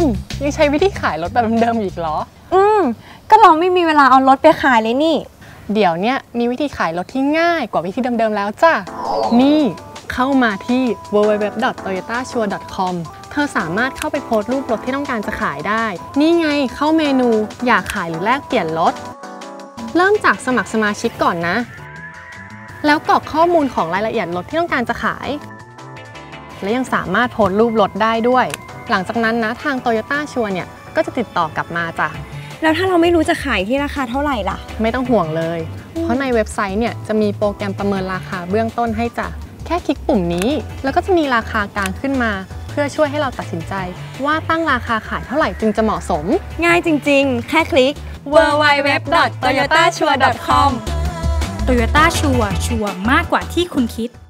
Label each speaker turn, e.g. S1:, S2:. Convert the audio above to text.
S1: ยังใช้วิธีขายรถแบบเดิมๆอีกเหรอ
S2: ก็เราไม่มีเวลาเอารถไปขายเลยนี่
S1: เดี๋ยวเนี้ยมีวิธีขายรถที่ง่ายกว่าวิธีเดิมๆแล้วจ้ะนี่เข้ามาที่ www.toyotasure.com เธอสามารถเข้าไปโพสต์รูปรถที่ต้องการจะขายได้นี่ไงเข้าเมนูอยากขายหรือแลกเปลี่ยนรถเริ่มจากสมัครสมาชิกก่อนนะแล้วกรอกข้อมูลของรายละเอียดรถที่ต้องการจะขายและยังสามารถโพสต์รูปรถได้ด้วยหลังจากนั้นนะทาง Toyota Sure เนี่ยก็จะติดต่อกลับมาจ้ะ
S2: แล้วถ้าเราไม่รู้จะขายที่ราคาเท่าไหร่ล่ะ
S1: ไม่ต้องห่วงเลยเพราะในเว็บไซต์เนี่ยจะมีโปรแกรมประเมินราคาเบื้องต้นให้จ้ะแค่คลิกปุ่มนี้แล้วก็จะมีราคากลางขึ้นมาเพื่อช่วยให้เราตัดสินใจว่าตั้งราคาขายเท่าไหร่จึงจะเหมาะสม
S2: ง่ายจริงๆแค่คลิก www.toyotasure.com
S3: Toyota Sure ชัวร์มากกว่าที่คุณคิด